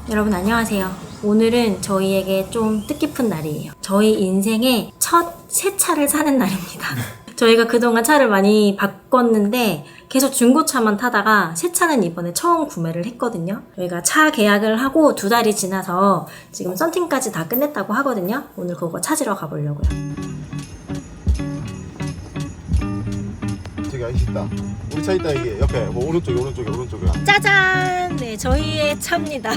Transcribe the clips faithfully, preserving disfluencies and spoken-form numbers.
여러분 안녕하세요. 오늘은 저희에게 좀 뜻깊은 날이에요. 저희 인생의 첫 새 차를 사는 날입니다. 저희가 그동안 차를 많이 바꿨는데 계속 중고차만 타다가 새 차는 이번에 처음 구매를 했거든요. 저희가 차 계약을 하고 두 달이 지나서 지금 썬팅까지 다 끝냈다고 하거든요. 오늘 그거 찾으러 가보려고요. 저기 아저씨 있다. 우리 차 있다. 이게 옆에 뭐 오른쪽에 오른쪽에 오른쪽에. 짜잔! 네, 저희의 차입니다.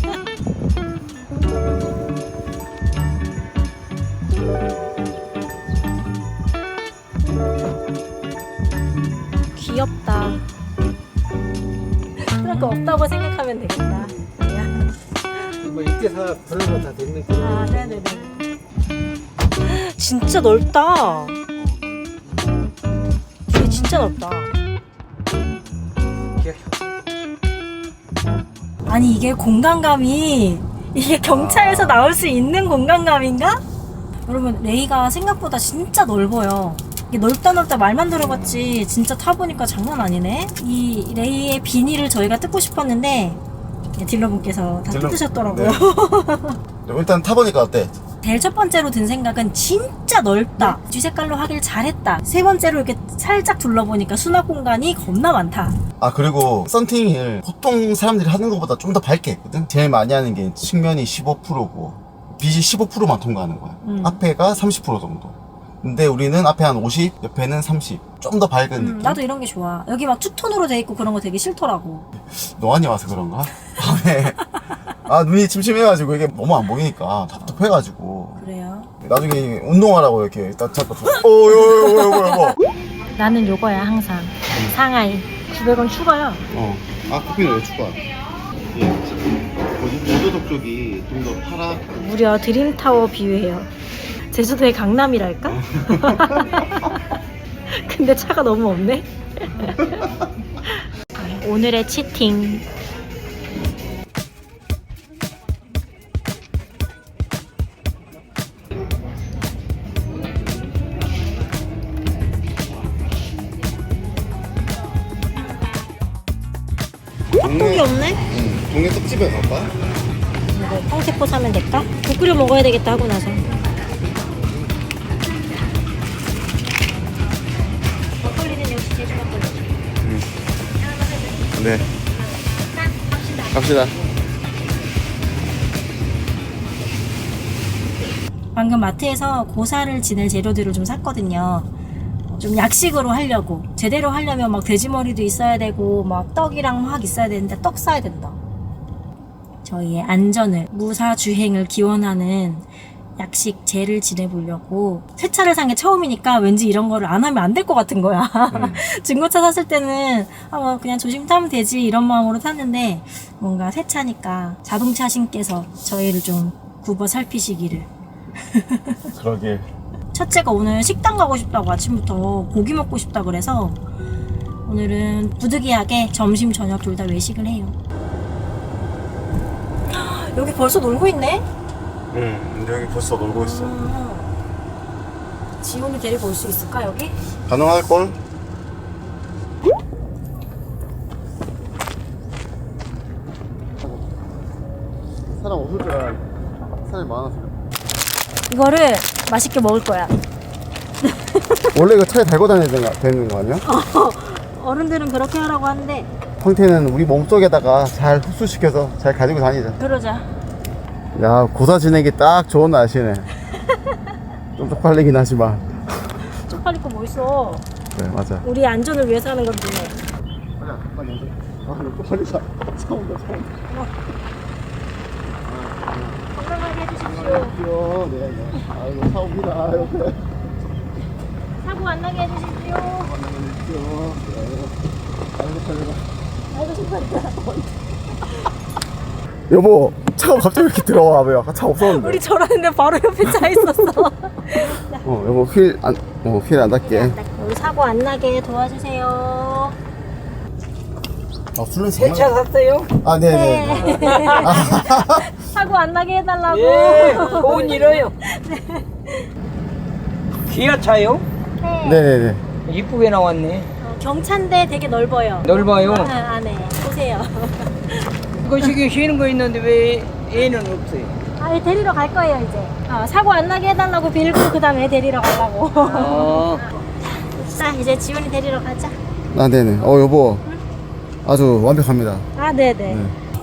귀엽다. 그런 거 없다고 생각하면 되겠다. 뭐 이때 사 그런 거 다 됐는 거. 아, 네네네. 진짜 넓다. 이게 진짜 넓다. 아니 이게 공간감이 이게 경차에서 나올 수 있는 공간감인가? 여러분 레이가 생각보다 진짜 넓어요. 이게 넓다 넓다 말만 들어봤지 진짜 타보니까 장난 아니네. 이 레이의 비닐을 저희가 뜯고 싶었는데 딜러분께서 다 딜러- 뜯으셨더라고요. 네. 일단 타보니까 어때? 제일 첫 번째로 든 생각은 진짜 넓다. 뒤색깔로 하길 잘했다. 세 번째로 이렇게 살짝 둘러보니까 수납 공간이 겁나 많다. 아 그리고 썬팅을 보통 사람들이 하는 것보다 좀 더 밝게 했거든. 제일 많이 하는 게 측면이 십오 퍼센트고 빛이 십오 퍼센트만 통과하는 거야. 음. 앞에가 삼십 퍼센트 정도. 근데 우리는 앞에 한 오십, 옆에는 삼십. 좀 더 밝은 음, 느낌. 나도 이런 게 좋아. 여기 막 투톤으로 돼 있고 그런 거 되게 싫더라고. 노안이 와서 그런가? 밤에 아 눈이 침침해가지고 이게 너무 안 보이니까 답답해가지고 그래요? 나중에 운동하라고 이렇게 딱 잡고 어 요요 요요 요요 나는 요거야 항상. 상하이. 구백 원 추가야. 어. 아 커피는 왜 추가? 예. 모조독 쪽이 좀 더 파라. 무려 드림타워 비유해요. 제주도의 강남이랄까? 근데 차가 너무 없네. 오늘의 치팅. 떡볶이 없네? 응. 동네 떡집에 갈까? 이거 황태포 사면 될까? 국 끓여 먹어야 되겠다 하고 나서. 막걸리는 역시 제주 막걸리. 네. 갑시다. 방금 마트에서 고사를 지낼 재료들을 좀 샀거든요. 좀 약식으로 하려고. 제대로 하려면 막 돼지머리도 있어야 되고 막 떡이랑 막 있어야 되는데 떡 사야 된다. 저희의 안전을, 무사주행을 기원하는 약식 제를 지내보려고. 새 차를 산 게 처음이니까 왠지 이런 거를 안 하면 안 될 것 같은 거야. 음. 중고차 샀을 때는 아, 뭐 그냥 조심 타면 되지 이런 마음으로 탔는데 뭔가 새 차니까 자동차 신께서 저희를 좀 굽어 살피시기를. 그러게. 첫째가 오늘 식당 가고 싶다고 아침부터 고기 먹고 싶다 그래서 오늘은 부득이하게 점심 저녁 둘 다 외식을 해요. 여기 벌써 놀고 있네? 응. 근데 여기 벌써 놀고 있어. 음. 지훈이 데리고 올 수 있을까 여기? 가능할 걸? 사람 없을 줄 알았는데 사람이 많아서. 이거를 맛있게 먹을 거야. 원래 이거 차에 달고 다녀야 되는 거- 되는 거 아니야? 어른들은 그렇게 하라고 하는데 황태는 우리 몸속에다가 잘 흡수시켜서 잘 가지고 다니자. 그러자. 야 고사 지내기 딱 좋은 날씨네. 좀 쪽팔리긴 하지만. 쪽팔릴 거 뭐 있어. 그래 맞아. 우리 안전을 위해서 하는 건데. 빨리 빨리 아 이거 빨리 사 사온다 사온다. 건강하게 해주십시오. 귀여워. 네, 네. 아이고 사옵니다. 이렇게. 사고 안 나게 해주십시오. 귀여워. 아이고 빨리 아이고 신발이다. 여보 차가 갑자기 왜 이렇게 들어와? 왜 아까 차 없었는데? 우리 저러는데 바로 옆에 차 있었어. 어 여보 휠 안 어 휠 안 닿게. 여기 사고 안 나게 도와주세요. 아 술은 세차 샀어요? 아 네네. 사고 안 나게 해달라고. 예, 좋은 일어요. 기아차요? 네. 네네네. 이쁘게 나왔네. 어, 경차인데 되게 넓어요. 넓어요. 아, 안에 보세요. 이거 지금 쉬는 거 있는데 왜 애는 없어요? 아, 얘 데리러 갈 거예요 이제. 어, 사고 안 나게 해달라고 빌고 그 다음에 데리러 가려고. 어. 자, 이제 지훈이 데리러 가자. 아, 네네. 어, 여보. 아주 완벽합니다. 아, 네네. 네.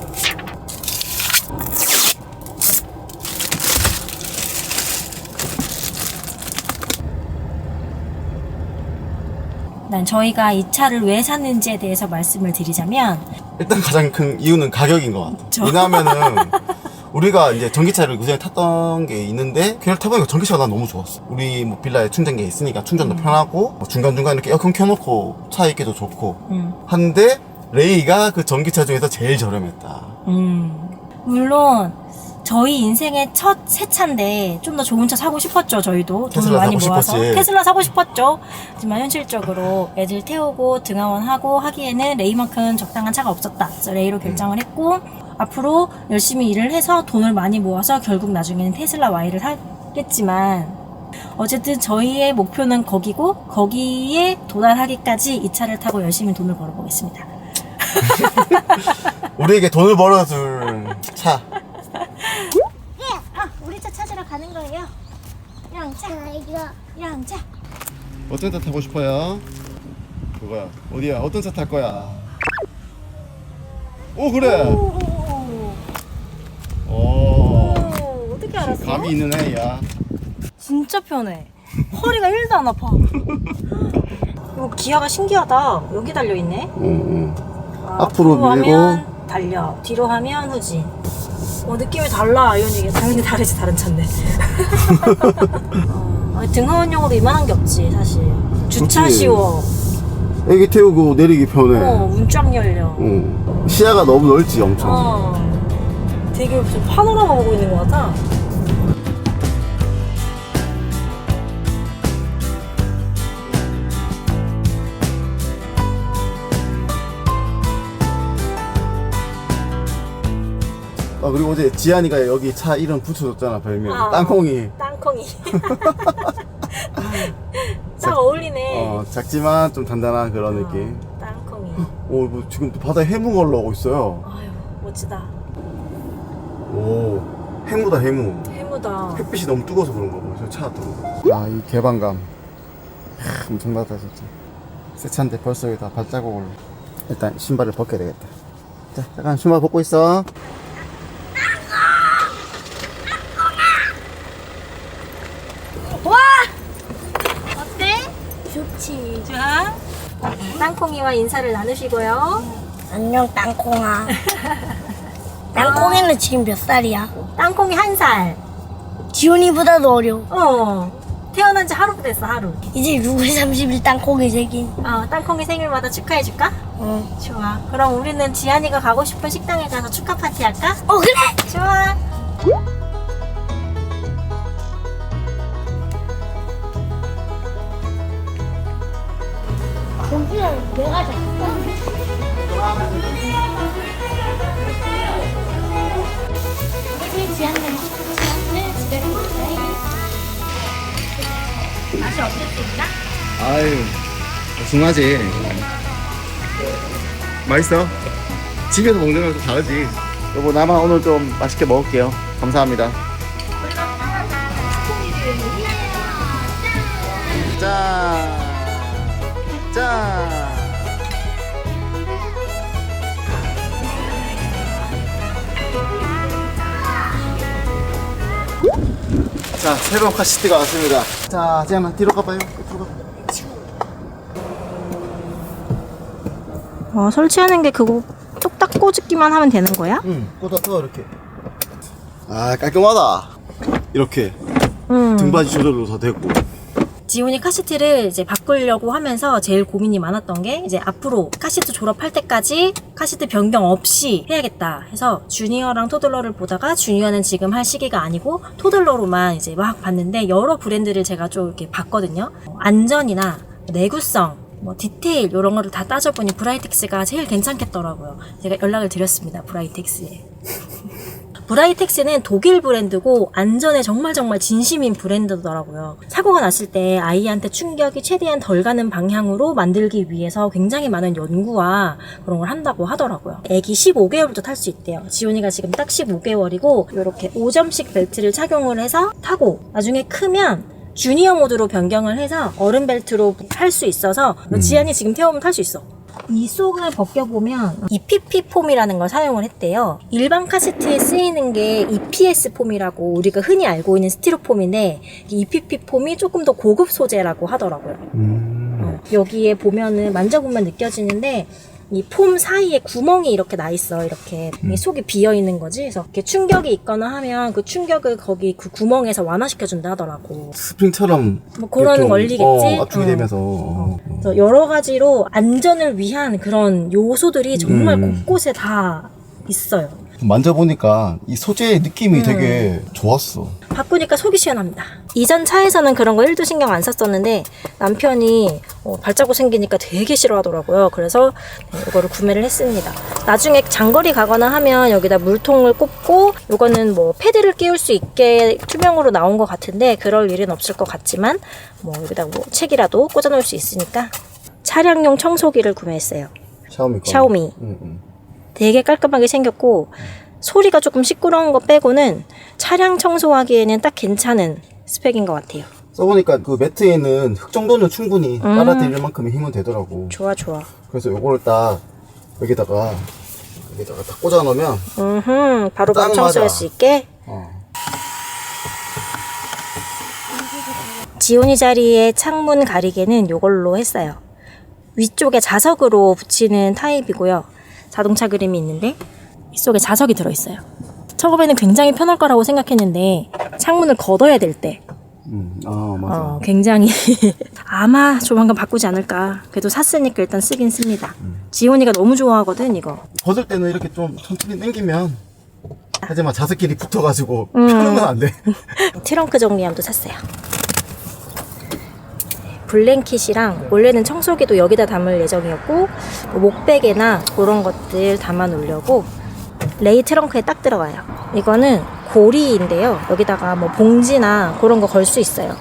난 저희가 이 차를 왜 샀는지에 대해서 말씀을 드리자면 일단 가장 큰 이유는 가격인 것 같아요. 저- 왜냐하면은 우리가 이제 전기차를 그전에 탔던 게 있는데 그냥 타보니까 전기차가 난 너무 좋았어. 우리 뭐 빌라에 충전기 있으니까 충전도 편하고 뭐 중간중간 이렇게 에어컨 켜놓고 차에 있기도 좋고 음, 한데 레이가 그 전기차 중에서 제일 저렴했다. 음. 물론 저희 인생의 첫 새 차인데 좀 더 좋은 차 사고 싶었죠. 저희도 돈을 테슬라 많이 사고 모아서 싶었지. 테슬라 사고 싶었죠. 하지만 현실적으로 애들 태우고 등하원하고 하기에는 레이만큼 적당한 차가 없었다. 그래서 레이로 결정을 했고 앞으로 열심히 일을 해서 돈을 많이 모아서 결국 나중에는 테슬라 Y를 사겠지만 어쨌든 저희의 목표는 거기고 거기에 도달하기까지 이 차를 타고 열심히 돈을 벌어보겠습니다. 우리에게 돈을 벌어줄 차. 예, 아, 우리 차 찾으러 가는 거예요. 양차, 양차. 어떤 차 타고 싶어요? 그거야. 어디야? 어떤 차 탈 거야? 오, 그래. 오, 오. 오, 어떻게 알았어? 감이 있는 애야. 진짜 편해. 허리가 일도 안 아파. 이거 기아가 신기하다. 여기 달려 있네. 응, 응. 아, 앞으로 밀고. 하면 달려, 뒤로 하면 후진. 어, 느낌이 달라. 아이오닉이 당연히 다르지. 다른 차인데. 어, 아니, 등하원용으로 이만한 게 없지 사실. 주차 그치. 쉬워. 애기 태우고 내리기 편해. 어, 문 쫙 열려. 응. 시야가 너무 넓지, 엄청. 어, 되게 무슨 파노라마 보고 있는 것 같아. 아, 그리고 어제 지한이가 여기 차 이름 붙여줬잖아, 별명. 어. 땅콩이. 땅콩이. 딱 어울리네. 어, 작지만 좀 단단한 그런 어, 느낌. 땅콩이. 오, 뭐 지금 또 바다에 해무가 올라오고 있어요. 아유, 멋지다. 오, 해무다, 해무. 해무다. 햇빛이 너무 뜨거워서 그런가 봐. 저 차 뜨거. 아, 이 개방감. 하, 엄청나다, 진짜. 새 차인데 벌써 여기 다 발자국 올라. 일단 신발을 벗겨야 되겠다. 자, 잠깐 신발 벗고 있어. 와! 어때? 좋지. 좋아? 땅콩이와 인사를 나누시고요. 안녕 땅콩아. 땅콩이는 지금 몇 살이야? 땅콩이 한 살. 지훈이보다도 어려. 어. 태어난 지 하루 됐어, 하루. 이제 육월 삼십일 땅콩이 생긴. 어, 땅콩이 생일마다 축하해줄까? 어. 좋아. 그럼 우리는 지한이가 가고 싶은 식당에 가서 축하 파티 할까? 어 그래. 좋아. 고기는 내가 잡고. 아유, 중하지. 맛있어? 집에서 먹는 거랑 좀 다르지. 여보, 나만 오늘 좀 맛있게 먹을게요. 감사합니다. 짠! 짠! 자, 새로운 카시트가 왔습니다. 자, 지안아, 뒤로 가봐요. 뒤로 가봐. 어, 설치하는 게 그거 뚝딱 꽂기만 하면 되는 거야? 응, 꽂아서 이렇게. 아, 깔끔하다. 이렇게 응. 등받이 조절도 다 되고. 지훈이 카시트를 이제 바꾸려고 하면서 제일 고민이 많았던 게 이제 앞으로 카시트 졸업할 때까지 카시트 변경 없이 해야겠다 해서 주니어랑 토들러를 보다가 주니어는 지금 할 시기가 아니고 토들러로만 이제 막 봤는데 여러 브랜드를 제가 좀 이렇게 봤거든요. 안전이나 내구성, 뭐 디테일 이런 거를 다 따져보니 브라이텍스가 제일 괜찮겠더라고요. 제가 연락을 드렸습니다. 브라이텍스에. 브라이텍스는 독일 브랜드고 안전에 정말 정말 진심인 브랜드더라고요. 사고가 났을 때 아이한테 충격이 최대한 덜 가는 방향으로 만들기 위해서 굉장히 많은 연구와 그런 걸 한다고 하더라고요. 애기 십오 개월부터 탈 수 있대요. 지훈이가 지금 딱 십오 개월이고 이렇게 오 점씩 벨트를 착용을 해서 타고 나중에 크면 주니어 모드로 변경을 해서 어른 벨트로 탈 수 있어서 음. 지안이 지금 태우면 탈 수 있어. 이 속을 벗겨보면 이피피 폼이라는 걸 사용을 했대요. 일반 카시트에 쓰이는 게 이피에스 폼이라고 우리가 흔히 알고 있는 스티로폼인데 이피피 폼이 조금 더 고급 소재라고 하더라고요. 음. 어, 여기에 보면은 만져보면 느껴지는데 이 폼 사이에 구멍이 이렇게 나 있어. 이렇게 이 속이 비어 있는 거지. 그래서 이렇게 충격이 있거나 하면 그 충격을 거기 그 구멍에서 완화시켜 준다 하더라고. 스프링처럼 뭐 그런 좀, 원리겠지? 어, 압축이 어. 되면서 어. 어. 그래서 여러 가지로 안전을 위한 그런 요소들이 정말 음. 곳곳에 다 있어요. 만져보니까 이 소재의 느낌이 음. 되게 좋았어. 바꾸니까 속이 시원합니다. 이전 차에서는 그런 거 일도 신경 안 썼었는데 남편이 어, 발자국 생기니까 되게 싫어하더라고요. 그래서 네, 이거를 구매를 했습니다. 나중에 장거리 가거나 하면 여기다 물통을 꽂고 이거는 뭐 패드를 끼울 수 있게 투명으로 나온 것 같은데 그럴 일은 없을 것 같지만 뭐 여기다 뭐 책이라도 꽂아 놓을 수 있으니까 차량용 청소기를 구매했어요. 샤오미 거. 샤오미. 응, 응. 되게 깔끔하게 생겼고 소리가 조금 시끄러운 거 빼고는 차량 청소하기에는 딱 괜찮은 스펙인 것 같아요. 써보니까 그 매트에 있는 흙 정도는 충분히 음. 빨아들일 만큼의 힘은 되더라고. 좋아 좋아. 그래서 요거를 딱 여기다가 여기다가 딱 꽂아 놓으면 음흠, 바로 딱 방 청소할 맞아. 수 있게. 어. 지온이 자리에 창문 가리개는 이걸로 했어요. 위쪽에 자석으로 붙이는 타입이고요. 자동차 그림이 있는데 이 속에 자석이 들어있어요. 처음에는 굉장히 편할 거라고 생각했는데 창문을 걷어야 될 때 음, 아 맞아. 어, 굉장히 아마 조만간 바꾸지 않을까. 그래도 샀으니까 일단 쓰긴 씁니다. 지온이가 너무 좋아하거든 이거. 걷을 때는 이렇게 좀 천천히 당기면 하지만 자석끼리 붙어가지고 음. 펴는 건 안 돼. 트렁크 정리함도 샀어요. 블랭킷이랑 원래는 청소기도 여기다 담을 예정이었고 뭐 목베개나 그런 것들 담아 놓으려고 레이 트렁크에 딱 들어가요. 이거는 고리인데요. 여기다가 뭐 봉지나 그런 거 걸 수 있어요.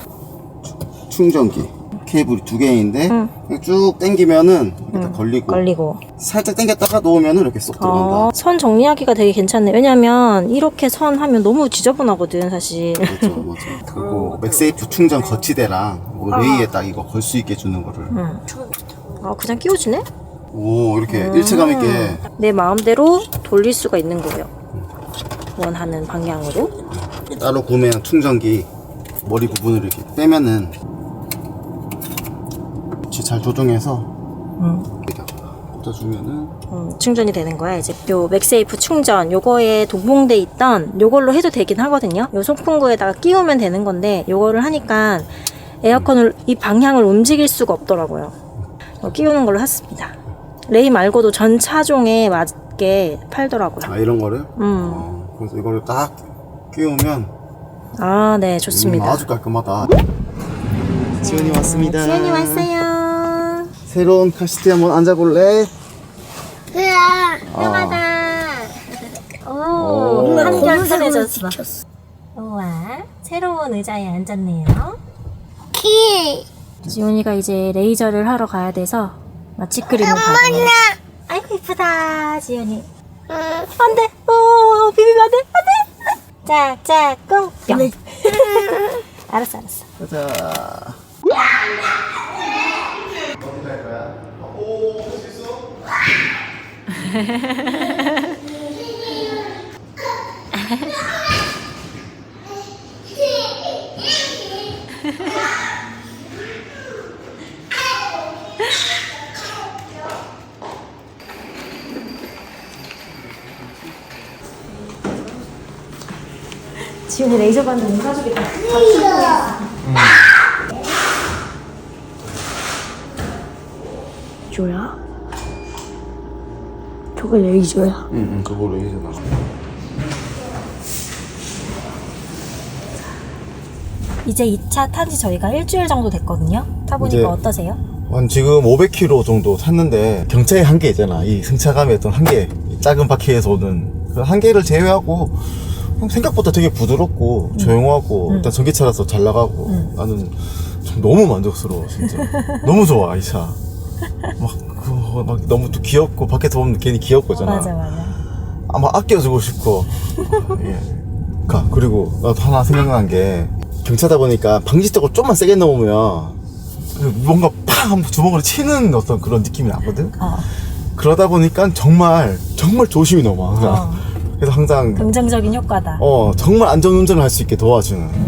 충전기 케이블이 두 개인데 응. 쭉 당기면은 이렇게 다 걸리고 걸리고. 살짝 당겼다가 놓으면은 이렇게 쏙 들어간다. 어, 선 정리하기가 되게 괜찮네. 왜냐면 이렇게 선 하면 너무 지저분하거든 사실. 맞아, 맞아. 그리고 맥세이프 충전 거치대랑 뭐 레이에 딱 이거 걸 수 있게 주는 거를. 응. 아 그냥 끼워주네? 오 이렇게 일체감 있게. 내 마음대로 돌릴 수가 있는 거예요. 원하는 방향으로. 따로 구매한 충전기 머리 부분을 이렇게 빼면은 잘 조정해서 응. 여기다가 꽂아주면은 음, 충전이 되는 거야. 이제 요 맥세이프 충전 요거에 동봉돼 있던 요걸로 해도 되긴 하거든요. 요 송풍구에다가 끼우면 되는 건데 요거를 하니까 에어컨을 이 방향을 움직일 수가 없더라고요. 어, 끼우는 걸로 샀습니다. 레이 말고도 전 차종에 맞게 팔더라고요. 아 이런 거를 음. 어, 그래서 이거를 딱 끼우면 아, 네, 음, 좋습니다. 아주 깔끔하다. 지연이 왔습니다. 지연이 왔어요. 새로운 카시트에 한번 앉아볼래? 으아, 편하다. 오. 오, 한결 검은색으로 편해졌어. 찍혔어. 우와, 새로운 의자에 앉았네요. 키. 지훈이가 이제 레이저를 하러 가야 돼서 마취 크림을 바르네. 아이고 이쁘다 지훈이. 응. 안돼. 오 비비면 안돼 안돼. 짝짝 꿍 뿅. 알았어 알았어. 가자. 어디 갈 거야? 오, 할 수 있어? 지훈이 레이저 받는 온 가족이 다 조야? 저거 레이저야. 응, 응, 그걸로 이제 나. 이제 이 차 탄지 저희가 일주일 정도 됐거든요. 타보니까 이제- 어떠세요? 한 지금 오백 킬로미터 정도 탔는데 경차의 한계 있잖아. 이 승차감의 어떤 한계, 이 작은 바퀴에서 오는 한 개를 제외하고 생각보다 되게 부드럽고 음. 조용하고 음. 일단 전기차라서 잘 나가고 음. 나는 참 너무 만족스러워 진짜. 너무 좋아 이 차. 막, 그, 막 너무 또 귀엽고 밖에서 보면 괜히 귀엽고잖아. 맞아 맞아. 아마 아껴주고 싶고. 예. 가 그리고 나도 하나 생각난 게 경차다 보니까 방지턱을 좀만 세게 넘으면 그 뭔가 팍 한번 주먹으로 치는 어떤 그런 느낌이 나거든. 어. 그러다 보니까 정말 정말 조심히 넘어 항상. 어. 그래서 항상 긍정적인 효과다. 어 정말 안전운전을 할 수 있게 도와주는